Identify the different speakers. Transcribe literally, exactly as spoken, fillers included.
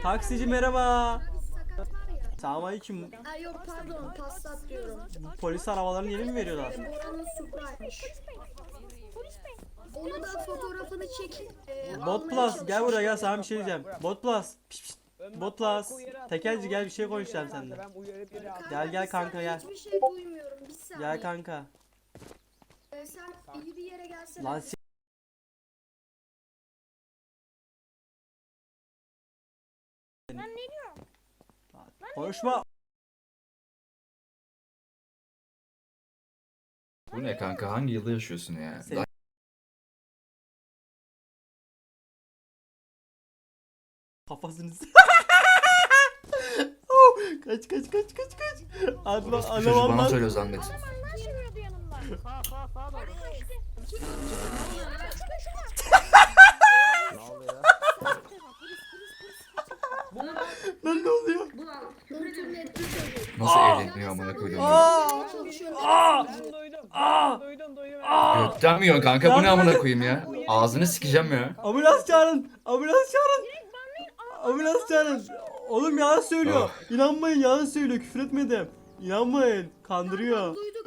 Speaker 1: Taksici merhaba.
Speaker 2: Bir sakat var ya.
Speaker 1: Selamünaleyküm.
Speaker 2: Ha yok pardon Passat diyorum.
Speaker 1: Polis arabalarını yeni mi veriyorlar?
Speaker 2: Ee, Bora'nın Supra'ymış. Onu da fotoğrafını çekip e,
Speaker 1: Bot
Speaker 2: almaya
Speaker 1: Plus gel buraya gel,
Speaker 2: çalışmışlar.
Speaker 1: sana bir şey diyeceğim. Bot Plus. Piş, piş. Bot Plus. Tekelci gel, bir şey konuşacağım seninle.
Speaker 2: Kanka,
Speaker 1: Gel, gel
Speaker 2: bir
Speaker 1: kanka,
Speaker 2: saniye,
Speaker 1: gel.
Speaker 2: Hiçbir şey duymuyorum. Bir saniye.
Speaker 1: Gel kanka.
Speaker 2: Ee, sen iyi bir yere gelsene.
Speaker 1: Lan s-
Speaker 3: Lan ne diyor?
Speaker 1: konuşma.
Speaker 4: Bu ne kanka? Hangi yılda yaşıyorsun ya?
Speaker 1: Sen-
Speaker 4: Daha-
Speaker 1: Kafasını s- Oh, kaç kaç kaç kaç kaç. Adla
Speaker 4: Orospu
Speaker 1: adam
Speaker 4: çocuğu bana
Speaker 1: anlat.
Speaker 4: söylüyor zannet.
Speaker 3: Adam anlar sürüyordu yanımda.
Speaker 5: Sağ sağ sağa doğru. Ne oluyor?
Speaker 1: Lan ne oluyor?
Speaker 2: İnternette çocuk.
Speaker 4: Nasıl
Speaker 1: Aa!
Speaker 4: evleniyor amına koydum.
Speaker 1: Aa!
Speaker 2: Çalışıyor.
Speaker 1: Aa!
Speaker 5: Ben duydum.
Speaker 1: Aa!
Speaker 5: Duydum duydum.
Speaker 1: Aa!
Speaker 4: Gökten mi yiyorsun kanka? Bu ne
Speaker 1: Yardım
Speaker 4: amına
Speaker 1: edin.
Speaker 4: koyayım ya? Ağzını sikeceğim ya.
Speaker 1: Ambulans çağırın. Ambulans çağırın. Ambulans çağırın. Oğlum yalan söylüyor.
Speaker 4: Oh.
Speaker 1: İnanmayın, yalan söylüyor. Küfür etmedim. İnanmayın. Kandırıyor.
Speaker 2: Duyduk